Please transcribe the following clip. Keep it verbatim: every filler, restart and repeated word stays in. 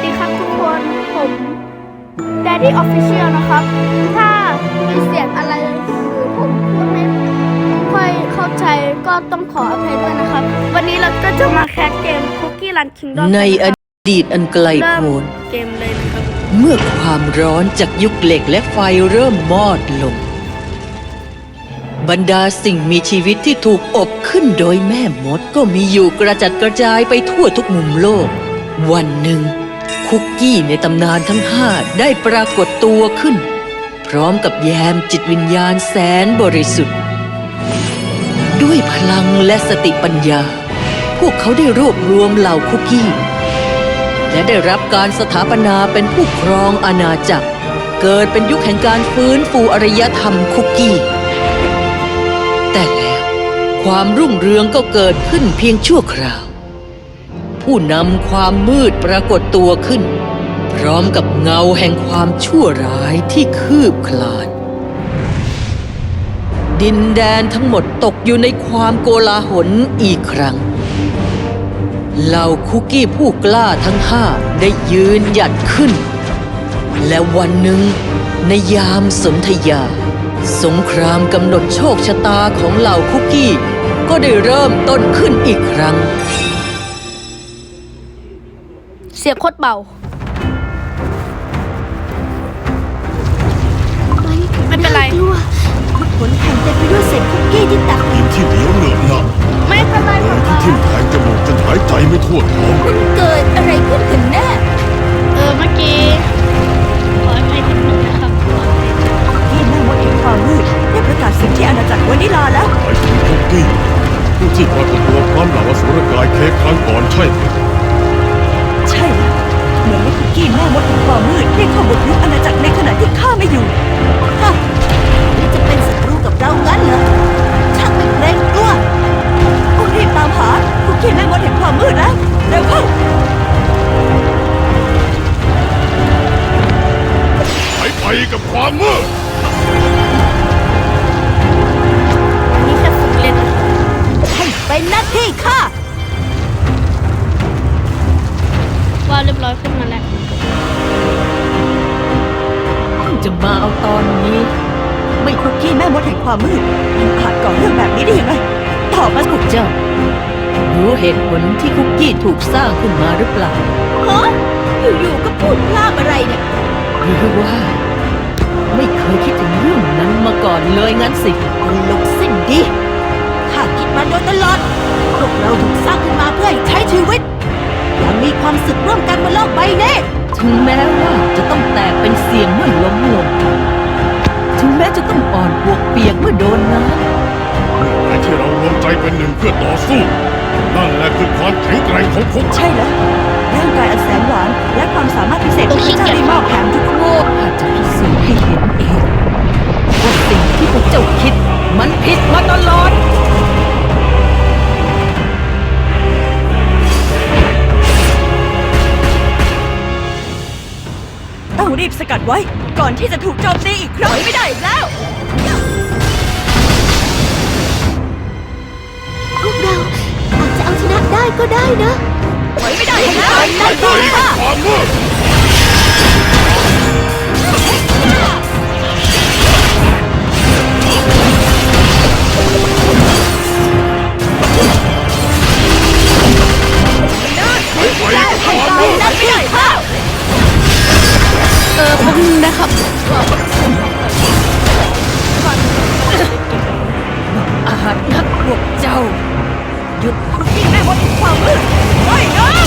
ดีครับทุกคนผม Daddy Official นะครับถ้ามีเสียงอะไรหรือผมพูดไม่ค่อยเข้าใจก็ต้องขออภัยด้วยนะครับวันนี้เราก็จะมาแคสเกม Cookie Run Kingdom ในอดีตอันไกลโพ้นเกมเลยนะครับเมื่อความร้อนจากยุคเหล็กและไฟเริ่มมอดลงบรรดาสิ่งมีชีวิตที่ถูกอบขึ้นโดยแม่มดก็มีอยู่กระจัดกระจายไปทั่วทุกมุมโลกวันหนึ่งคุกกี้ในตำนานทั้งห้าได้ปรากฏตัวขึ้นพร้อมกับแยมจิตวิญญาณแสนบริสุทธิ์ด้วยพลังและสติปัญญาพวกเขาได้รวบรวมเหล่าคุกกี้และได้รับการสถาปนาเป็นผู้ครองอาณาจักรเกิดเป็นยุคแห่งการฟื้นฟูอารยธรรมคุกกี้แต่แล้วความรุ่งเรืองก็เกิดขึ้นเพียงชั่วคราวผู้นำความมืดปรากฏตัวขึ้นพร้อมกับเงาแห่งความชั่วร้ายที่คืบคลานดินแดนทั้งหมดตกอยู่ในความโกลาหลอีกครั้งเหล่าคุกกี้ผู้กล้าทั้งห้าได้ยืนหยัดขึ้นและวันหนึ่งในยามสนธยาสงครามกำหนดโชคชะตาของเหล่าคุกกี้ก็ได้เริ่มต้นขึ้นอีกครั้งเสียงโคตรเบาไม่เป็นไรทุกผลแห่งเต็มไปด้วยเศษคุกกี้ที่ตักดินที่เหนียวเหนอะหนะไม่เป็นไรเดินที่ทิ่มแทงจมูกจนหายใจไม่ทั่วท้องมันเกิดอะไรขึ้นกันแน่เออเมื่อกี้ขออภัยนิดนึงนะครับที่แม่มดแห่งความมืดได้ประกาศสิ่งที่อาณาจักรวานิลาแล้วไปถึงคุกกี้ผู้ที่ปรากฏตัวพร้อมเหล่าอสุรกายเค้กครั้งก่อนใช่ไหมใช่แล้วเหมือนว่าคุกกี้แม่มดแห่งความมืดได้เข้าบุกรุกอาณาจักรในขณะที่ข้าไม่อยู่ฮะนี่จะเป็นศัตรูกับเรางั้นเหรอช่างไม่เกรงกลัวต้องรีบตามหาคุกกี้แม่มดแห่งความมืดแล้วเร็วเข้าไปไปกับความมืดนี่แค่ฝึกเล่นให้เป็นหน้าที่ข้าว่าเรียบร้อยขึ้นมาแล้วจะมาเอาตอนนี้ไม่คุกกี้แม่มดแห่งความมืดยังอาจก่อเรื่องแบบนี้ได้ยังไงตอบมาพวกเจ้ารู้เหตุผลที่คุกกี้ถูกสร้างขึ้นมาหรือเปล่าฮะอยู่ๆก็พูดพลาดอะไรเนี่ยหรือว่าไม่เคยคิดถึงเรื่องนั้นมาก่อนเลยงั้นสิคนลุกสิ้นดีข้าคิดมาโดยตลอดพวกเราถูกสร้างขึ้นมาเพื่อใช้ชีวิตยังมีความสุขร่วมกันบนโลกใบนี้ถึงแม้ว่าจะต้องแตกเป็นเสียงเมื่อล้มลงถึงแม้จะต้องอ่อนปวกเปียกเมื่อโดนน้ำเมื่อไหร่ที่เรารวมใจเป็นหนึ่งเพื่อต่อสู้นั่นแหละคือความแข็งแกร่งของคุกใช่แล้วร่างกายอันแสนหวานและความสามารถพิเศษที่พระเจ้าได้มอบแถมทุกโลกอาจจะพิสูจน์ให้เห็นเองว่าสิ่งที่พวกเจ้าคิดมันผิดมาตลอดต้องรีบสกัดไว้ก่อนที่จะถูกโจมตีอีกครั้งไม่ได้แล้วพวกเราอาจจะเอาชนะได้ก็ได้นะถอยไม่ได้แล้วนั่นก็ค่ะความมืดไปไปความมืดนั่นไม่ได้ค่ะเออพวกนึงนะครับอาหารนักพวกเจ้าหยุดคุกกี้แม่มดแห่งความมืดไม่นะ